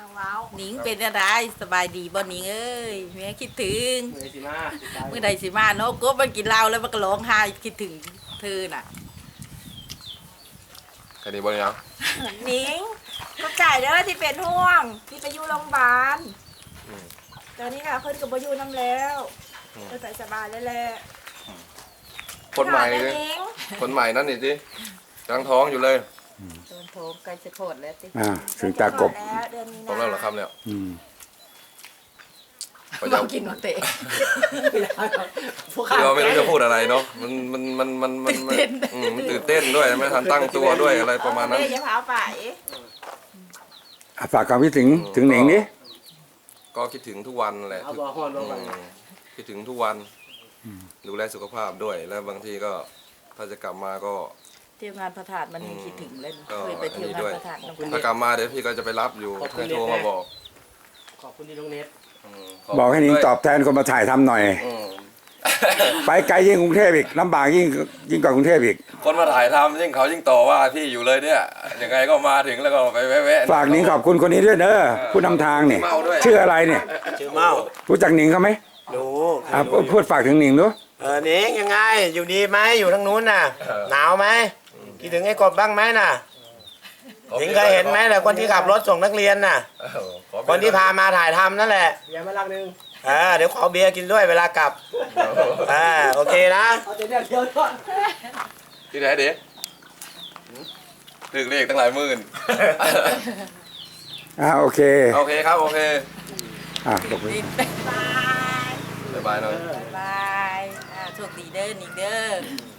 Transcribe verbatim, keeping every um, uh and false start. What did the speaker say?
ว้าวหนิงเป็นอะไรสบายดีบ่หนิงเอ้ยแม่คิดถึงเมื่อสิมาเมื่อใดสิมาเนาะกบมันกินเหล้าแล้วมันก็ร้องไห้คิดถึงเธอน่ะแค่นี้บ่ยังหนิงก็จ่ายเด้อที่เป็นห่วงที่ไปอยู่โรงพยาบาลตอนนี้ค่ะเพิ่นก็บ่อยู่น้ำแล้วก็ใส่สบายแล้วแหละคนใหม่เลเลย ยหนิงคนใหม่นั่นนี่สิกำลังท้องอยู่เลยโดนโถมใกล้จะโคตรแล้วติอ่าถึงตากบแล้วเดือนนี้ผมนะแล้วเหรอครับเนี่ยอืมพระเจ้าเรากินโนเตะผู้ที่เราไม่รู้จะพูดอะไรเนาะมันมันมันมันมันมันอืมมันตื่นเต้นด้วยไม่ทันตั้งตัวด้วยอะไรประมาณนั้นเอเอย่าพาไปอ่ะฝากความคิดถึงถึงหนิงดิก็คิดถึงทุกวันแหละเอาบ่อฮอนลอืงไปมคิดถึงทุกวันดูแลสุขภาพด้วย แล้วบางทีก็ถ้าจะกลับมาก็เที่ยวงานพระธาตุมันยังคิดถึงเลยก็เคยไปเที่ยวงานพระธาตุน้ำกันถ้ากลับมาเดี๋ยวพี่ก็จะไปรับอยู่ให้โทรมาบอกขอบคุณที่น้องเน็ตอืมบอกให้หนิงตอบแทนคนมาถ่ายทำหน่อยอืมไปไกลยิ่งกรุงเทพอีกลำบากยิ่งยิ่งกว่ากรุงเทพอีกคนมาถ่ายทำยิ่งเขายิ่งต่อว่าพี่อยู่เลยเนี่ยยังไงก็มาถึงแล้วก็ไปแวะๆฝากหนิงขอบคุณคนนี้ด้วยเนอะผู้นำทางเนี่ยเมาด้วยชื่ออะไรเนี่ยชื่อเมารู้จักหนิงเขาไหมดูอ่ะพูดฝากถึงหนิงดูเออเน็กยังไงอยู่ดีไหมอยู่ทางนู้นน่ะหนาวไหมคิดถึงไอ้กบบ้างไหมน่ะหนิงเคยเห็นไหมแต่คนที่ขับรถส่งนักเรียนน่ะเออขอคนที่พามาถ่ายทำนั่นแหละเบียร์มาลักนึงเออเดี๋ยวขอเบียร์กินด้วยเวลากลับอ่าโอเคนะที่ไหนเด็กถึงเลขตั้งหลายหมื่นอ่าโอเคโอเคครับ โอเคอ่ะบอกเลยบายบ๊ายบายหน่อยบายอ่าโชคดีเด้อหนิงเด้อ